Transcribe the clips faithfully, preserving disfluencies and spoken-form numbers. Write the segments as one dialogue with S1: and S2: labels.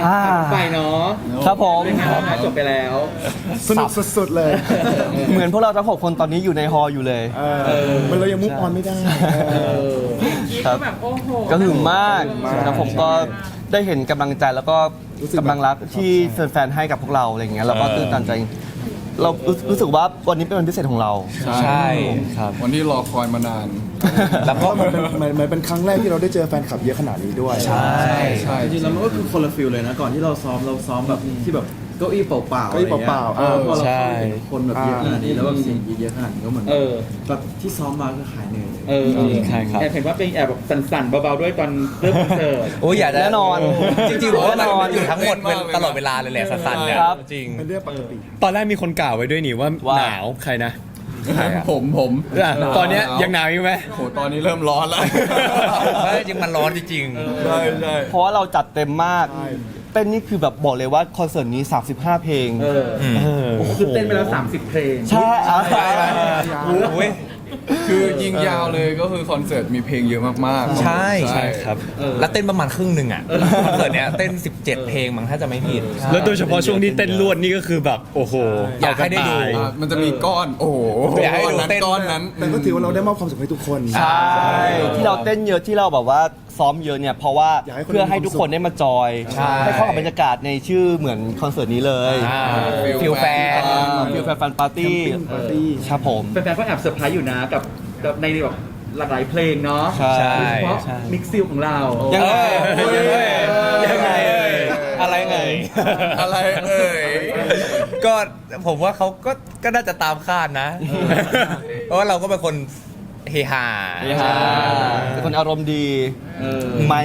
S1: อ่า
S2: ไปเนาะ
S1: ครับผม
S2: เป็นไงบ้างคะจบไปแล้ว
S3: สนุกสุดๆเลย
S1: เหมือนพวกเราทั้งหกคนตอนนี้อยู่ในฮอลล์อยู่เลย
S3: เออมันเรายังมุกออนไม่ได้
S2: เออ
S1: ครับ
S4: แบบโอ้โห
S1: ก็หึงมาก
S3: มาก
S1: แล้วผมก็ได้เห็นกำลังใจแล้วก็
S3: รู้สึกแบบ
S1: กำลังรักที่แฟนๆให้กับพวกเราอะไรอย่างเงี้ยเราก็ตื่นตันใจ เรารู้รู้สึกว่าวันนี้เป็นวันพิเศษของเรา
S5: ใช่
S1: ครับ
S5: วันที่รอคอยมานาน
S1: แล้ว
S3: เพ
S1: ก็
S3: ราะมันเป็นมันมันเป็นครั้งแรกที่เราได้เจอแฟนคลับเยอะขนาดนี้ด้วย
S1: ใช่
S5: ใช่
S6: จริงๆแล้วมันก็คือคนละฟิลเลยนะ ก่อนที่เราซ้อมเราซ้อมแบบที่แบบเก้าอี้เปล่าๆ
S3: เก้าอี้เปล่าๆ
S6: เออพอเรา
S1: ใช่
S6: เข้าไปเห็นคนแบบเยอะขนาดนี้แล้วแบบเสียงกรีดเยอะขนาดนี้ก็เหมือน
S2: เออ
S6: แบบที่ซ้อมมาก็หายเหนื่อยเลย
S2: เออ
S1: ใช่ครับ
S2: แอบเห็นว่าเป็นแอบแบบสั่นๆเบาๆด้วยตอนเริ่มคอนเสิร์ต
S7: โอ้ยอยากจะ
S1: แน่นอน
S7: จริงๆผมว่า
S1: แน่นอน
S7: มันอยู่ทั้งหมดเป็นตลอดเวลาเลยแหละสั้นๆเนี่ย
S1: ครับ
S7: จริง
S3: เป็นเรื่องปกติ
S8: ตอนแรกมีคนกล่าวไว้ด้วยนี่ว่า
S1: ว่า
S8: หนาวใครนะ
S5: ผมผม
S8: อ่ะตอนเนี้ยยังหนาวอยู่ไหม
S5: โหตอนนี้เริ่มร้อนแล้ว
S7: เฮ้ยจริงมันร้อนจริง
S5: ใช่ใช่
S1: เพราะว่าเราจัดเต็มมากเต้นนี่คือแบบบอกเลยว่าคอนเสิร์ตนี้สามสิบห้าเพลง
S2: เออ
S8: เออ
S2: คือเต้นไปแล้วสามสิบเพลง
S1: ใช่อ่ะ
S7: ๆโอ้ย
S5: คือยิงยาวเลยก็คือคอนเสิร์ตมีเพลงเยอะมากๆ
S7: ใช่
S8: ใช่ครับ
S7: แล้วเต้นประมาณครึ่งหนึ่งอ่ะคอนเสิร์ตเนี้ยเต้นสิบเจ็ดเพลงมั้งถ้าจะไม่ผิด
S8: แล้วโดยเฉพาะช่วงที่เต้นลวดนี่ก็คือแบบโอ้โห
S7: อยากให้ได้ดู
S8: เกันตาย
S5: อ่ะมันจะมีก้อน โอ้โห
S7: อยากให้
S5: ก้อน
S7: ดู
S5: นั้น
S7: เต้น
S5: ก้อนนั้น
S3: แต่ก็ถือว่าเราได้มอบความสุขให้ทุกคน
S1: ใช่ที่เราเต้นเยอะที่เราแบบว่าซ้อมเยอะเนี่ยเพราะว่า
S3: อยากให้คน
S1: เพื่อให้ทุกคนได้มาจอย
S7: ใช่
S1: ให้เข้ากับบรรยากาศในชื่อเหมือนคอนเสิร์ตนี้เลย
S7: อ่า
S5: ฟิล
S7: ฟิลแฟน
S1: ฟิลแฟนปาร์ตี้
S3: ปาร์ตี้
S1: ครับผม
S2: แฟนๆก็แอบเซอร์ไพรส์อยู่นะกับกับในแบบหลากหลายเพลงเนาะ
S1: ใช่
S2: โดยเฉพาะ
S1: ใช่
S2: มิกซิลของเรา
S1: ยังไง
S7: เอ้ยยังไงเอ่ยอะไรเอ่ย
S5: อะไรเอ่ย
S7: ก็ผมว่าเขาก็ก็น่าจะตามคาดนะ เพราะว่าเราก็เป็นคนเฮฮา
S1: เป็นคนอารมณ์ดี
S2: เออ
S1: ไหม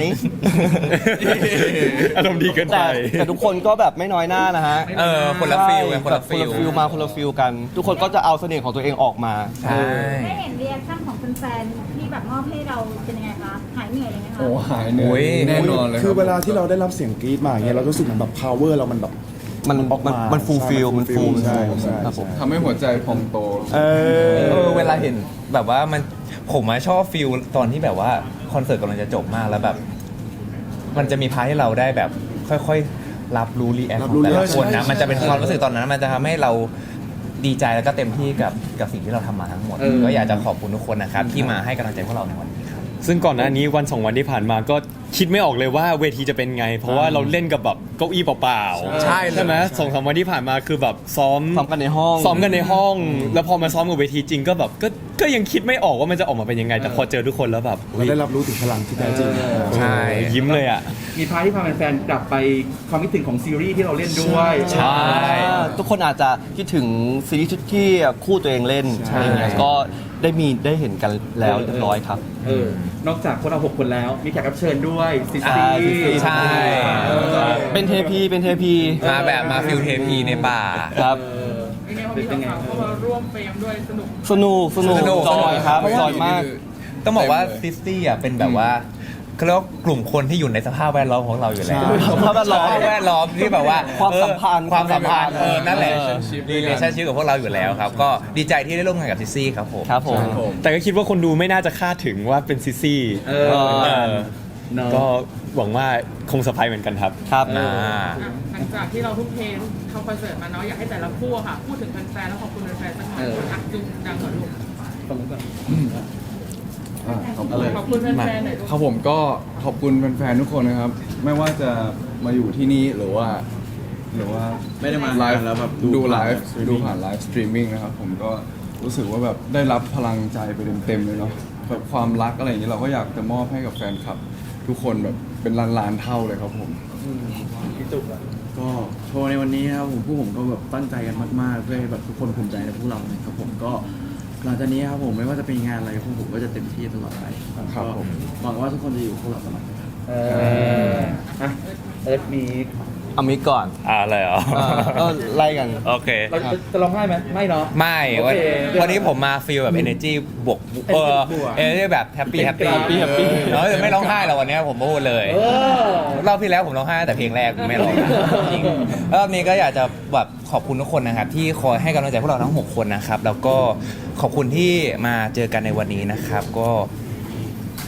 S8: อารมณ์ดีเกินไป
S1: แต่แต่ทุกคนก็แบบไม่น้อยหน้านะฮะ
S7: เออคนละฟิลไงคนละ
S1: แบบ
S7: ฟิล
S1: ฟิลมาคนละฟิลกัน ทุกคนก็จะเอาเสน่ห์ของตัวเองออกมา
S7: ใช่
S4: ได้เห็นรีแอคชั่นของแฟนๆที่แบบมอบให้เราเป็นยังไงคะ หายเหนื่อยเลยไหมคะ
S5: โอ้หายเหนื่อยแน่นอนเลย
S3: คือ
S5: รับ
S3: เวลาที่เราได้รับเสียงกรี๊ดมาอย่างเงี้ยเรารู้สึกเหมือนแบบ power เรามันแบบ
S1: มัน
S3: ออก
S1: มัน
S3: มา
S1: มันฟูลฟิล
S3: ใช่
S1: มันฟูล
S3: ใช่ใช่
S1: ครับผม
S5: ทำให้หัวใจพองโต
S3: เออ
S7: เออเวลาเห็นแบบว่ามันผมอะชอบฟิลตอนที่แบบว่าคอนเสิร์ตกำลังจะจบมากแล้วแบบ มันจะมีพาร์ทให้เราได้แบบค่อยๆ รับรู้รีแอค
S3: รั
S7: ข
S3: บ
S7: อ
S3: รู้
S7: งแต่ละ
S3: ใช่
S7: คนนะ
S3: ใช่
S7: มันจะเป็นความรู้สึกตอนนั้น มันจะทำให้เราดีใจแล้วก็เต็มที่กับกับสิ่งที่เราทำมาทั้งหมด
S2: เออ
S7: ก็อยากจะขอบคุณทุกคนนะครับที่มาให้กำลังใจพวกเราในวันนี้ครับ
S8: ซึ่งก่อนหน้านี้วันสองวันที่ผ่านมาก็คิดไม่ออกเลยว่าเวทีจะเป็นไง เพราะว่าเราเล่นกับแบบเก้าอี้เปล่าๆ
S7: ใช่
S8: ใช่ไหมสองสามวันที่ผ่านมาคือแบบซ้อม
S1: ซ้อมกันในห้อง
S8: ซ้อมกันในห้อง แล้วพอมาซ้อมกับเวทีจริงก็แบบก็ก็ยังคิดไม่ออกว่ามันจะออกมาเป็นยังไง แต่พอเจอทุกคนแล้วแบบ
S3: เราได้รับรู้ถึงพลังที่แท้จริง
S7: ใช่
S8: ยิ้มเลยอ่ะ
S2: มีพาร์ทที่พาแฟนๆกลับไปความคิดถึงของซีรีส์ที่เราเล่นด้วย
S8: ใช่
S1: ทุกคนอาจจะคิดถึงซีรีส์ชุดที่คู่ตัวเองเล่นอะไรอย่างเงี้ยก็ได้มีได้เห็นกันแล้วเรียบร้อยครับ
S2: เออนอกจากพวกเราหกคนแล้ว มีแขกรับเชิญด้วยซิ
S1: ใช่
S2: ซี่
S1: ซิซี่
S7: ใช่
S2: เออ
S1: เป็นเทพีเป็นเทพี
S7: มาแบบมาฟิลเทพีในป่า
S1: ครับ
S4: เป็นไงวันนี้เราก็มาร่วมเฟรมด้วยสนุก
S1: สนุกสนุก
S7: สนุก
S1: จอยครับจอยมาก
S7: ต้องบอกว่าซิสตี้อ่ะเป็นแบบว่าเขาเรียกว่ากลุ่มคนที่อยู่ในสภาพแวดล้อมของเราอยู่แล้ว
S1: สภาพแวดล้อม
S7: สภาพแวดล้อมที่แบบว่า
S1: ความสัมพันธ์
S7: เออความสัมพันธ์เออนั่นแหละ
S1: เออ
S7: รีเลชั่นชิพกับพวกเราอยู่แล้วครับ ก็ดีใจที่ได้ร่วมงานกับซิสซี่ครับผม
S1: ครับผม
S8: แต่ก็คิดว่าคนดูไม่น่าจะคาดถึงว่าเป็นซิซี่
S2: เออ
S8: เออ
S2: เนอะ
S8: ก็หวังว่าคงเซอร์ไพรส์เหมือนกันครับ
S1: ครับ
S7: อ่า
S4: หลังจากที่เราทุ่มเททำคอนเสิร์ตมาเนาะอยากให้แต่ละคู่อะค่ะ พูดถึงแฟนๆแล้วขอบคุณแฟนๆสักหน่อยคนอักจุงดังกว่าลูก
S2: ตรงนี้ก่อน
S5: อ่ะขอบคุณ
S4: ขอบคุณแฟนๆหน่อยลูก
S5: ครับผมก็ขอบคุณแฟนๆทุกคนนะครับ ไม่ว่าจะมาอยู่ที่นี่หรือว่า หรือว่า
S6: ไม่ได้มา
S5: ไลฟ์
S6: แล้วแบบ
S5: ดูไลฟ์
S6: ผ่าน
S5: ดูผ่านไลฟ์สตรีมมิ่งนะครับผมก็รู้สึกว่าแบบได้รับพลังใจไปเต็มๆเลยเนาะแบบความรักอะไรอย่างนี้เราก็อยากจะมอบให้กับแฟนคลับ ทุกคนแบบเป็นล้านๆเท่าเลยครับผม
S2: พี่จุกอะ
S6: ก็โชว์ในวันนี้นะครับผมผู้ผมก็แบบตั้งใจกันมากๆเพื่อให้แบบทุกคนภูมิใจในพวกเรานะครับผมก็หลังจากนี้ครับผมไม่ว่าจะเป็นงานอะไรพวกผมก็จะเต็มที่ตลอดไป
S5: ครับ
S6: ก็
S5: ผม
S6: หวังว่าทุกคนจะอยู่กับพวกเราตลอดไปครับ
S2: เอออ่ะเอิร์ธมี
S1: เอามิกก่อน
S8: อ่าอะไรเหรอ
S1: เออก็ไล่กัน
S8: โอเค
S2: เราจะจะร้องไห้ไหมไม่เนาะ
S7: ไม่
S2: โอ
S7: วัน
S2: เค
S7: วันนี้ผมมาฟีลแบบ energy บวกเออ
S2: บวก
S7: energy แบบแฮปปี้แฮปปี้
S1: happy happy
S7: เออไม่ร้องไห้หรอกวันนี้ผมพูดเลย
S2: เออ
S7: รอบที่แล้วผมร้องไห้แต่เพลงแรกผมไม่ร้องจริงรอบนี้ก็อยากจะแบบขอบคุณทุกคนนะครับ ที่คอยให้กำลังใจพวกเราทั้งหกคนนะครับ แล้วก็ขอบคุณที่มาเจอกันในวันนี้นะครับ ก็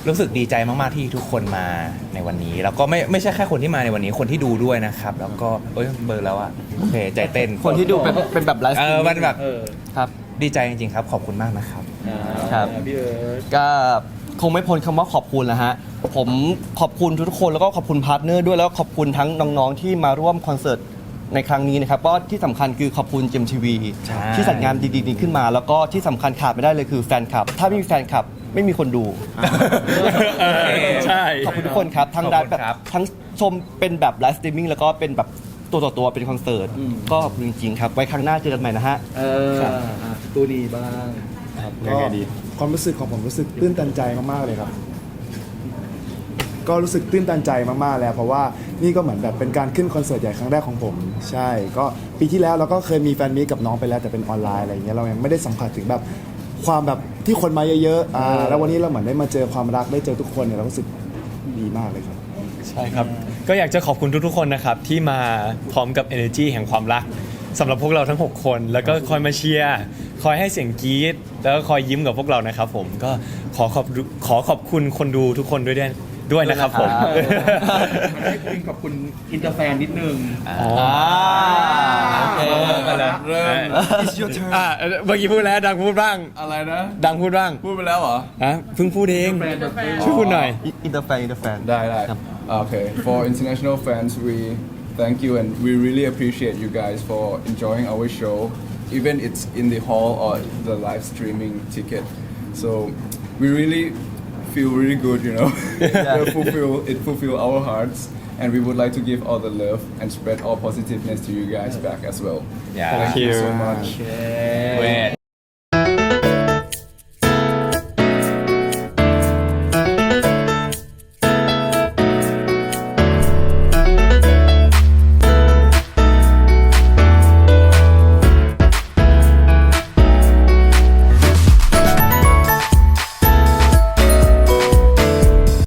S7: รู้สึกดีใจมากๆที่ทุกคนมาในวันนี้ แล้วก็ไม่ไม่ใช่แค่คนที่มาในวันนี้คนที่ดูด้วยนะครับ แล้วก็เอ้ยเบอร์แล้วอะโอเคใจเต้น
S1: คนที่ดูเป็นเป็นแบบไลฟ์ส
S7: เอ
S1: ตรี
S7: อ
S1: ม
S7: มันแบบ
S2: เออ
S1: ครับ
S7: ดีใจจริงๆครับ ขอบคุณมากนะครับ
S2: อ่า
S1: ครับ
S2: พี่เอิร์ธ
S1: ก็คงไม่พ้นคำว่าขอบคุณนะฮะ ผมขอบคุณทุกๆคนแล้วก็ขอบคุณพาร์ทเนอร์ด้วยแล้วก็ขอบคุณทั้งน้องๆที่มาร่วมคอนเสิร์ตในครั้งนี้นะครับก็ที่สำคัญคือขอบคุณเจมทีวี
S7: ใช่
S1: ที่จัดงานดีๆนี้ขึ้นมา แล้วก็ที่สำคัญขาดไม่ได้เลยคือแฟนคลับ ถ้าไม่มีแฟนคลับไม่มีคนดู
S8: เออใช่
S1: ขอบคุณทุกคนครับ ทั้ง
S7: ขอบ
S1: ไล
S7: คุณ
S1: ฟ์แบบ
S7: ครับ
S1: ทั้งชมเป็นแบบไลฟ์สตรีมมิ่งแล้วก็เป็นแบบตัวต่อตัวเป็นคอนเสิร์ตก็ขอบคุณจริงๆครับไว้ครั้งหน้าเจอกันใหม่นะฮะ
S2: เอออ่ะตัวดีบ้าง
S3: ก็ความรู้สึกของผมรู้สึกตื้นตันใจมากๆเลยครับ ก็รู้สึกตื้นตันใจมากๆแล้วเพราะว่านี่ก็เหมือนแบบเป็นการขึ้นคอนเสิร์ตใหญ่ครั้งแรกของผม ใช่ ก็ปีที่แล้วเราก็เคยมีแฟนมีตกับน้องไปแล้วแต่เป็นออนไลน์อะไรอย่างเงี้ยเรายังไม่ได้สัมผัสถึงแบบความแบบที่คนมาเยอะๆอ่าแล้ววันนี้เราเหมือนได้มาเจอความรักได้เจอทุกคนเนี่ยเรารู้สึกดีมากเลยครับ
S8: ใช่ครับ ก็อยากจะขอบคุณทุกๆคนนะครับ ที่มาพร้อมกับ energy แห่งความรักสำหรับพวกเราทั้ง 6 คน แล้วก็คอยมาเชียร์คอยให้เสียงกรี๊ดแล้วก็คอยยิ้มกับพวกเรานะครับผมก็ขอขอบขอขอบคุณคนดูทุกคนด้วยด้วยด้วยนะครับผม
S2: ให้คุณขอบคุณอินเตอร์แฟนนิดนึง
S8: อ๋อ
S1: โอเค
S8: มาแล้ว
S5: เริ่ม
S8: It's your turn อ่ะเมื่อกี้พูดแล้วดังพูดบ้าง
S5: อะไรนะ
S8: ดังพูดบ้าง
S5: พูดไปแล้วเหรอ
S8: ฮะเพิ่งพูดเอง
S2: แฟนแบบ
S8: ช่วยพูดหน่อย
S1: อินเตอร์แฟนอินเตอร์แฟน
S5: ได้ได้
S1: ครับ
S5: Okay for international fans we thank you and we really appreciate you guys for enjoying our show even it's in the hall or the live streaming ticket so we really feel really good you know it fulfill it fulfill our hearts and we would like to give all the love and spread all positiveness to you guys back as well
S7: Yeah.
S5: thank you so
S8: Thank you.
S5: much
S7: Wait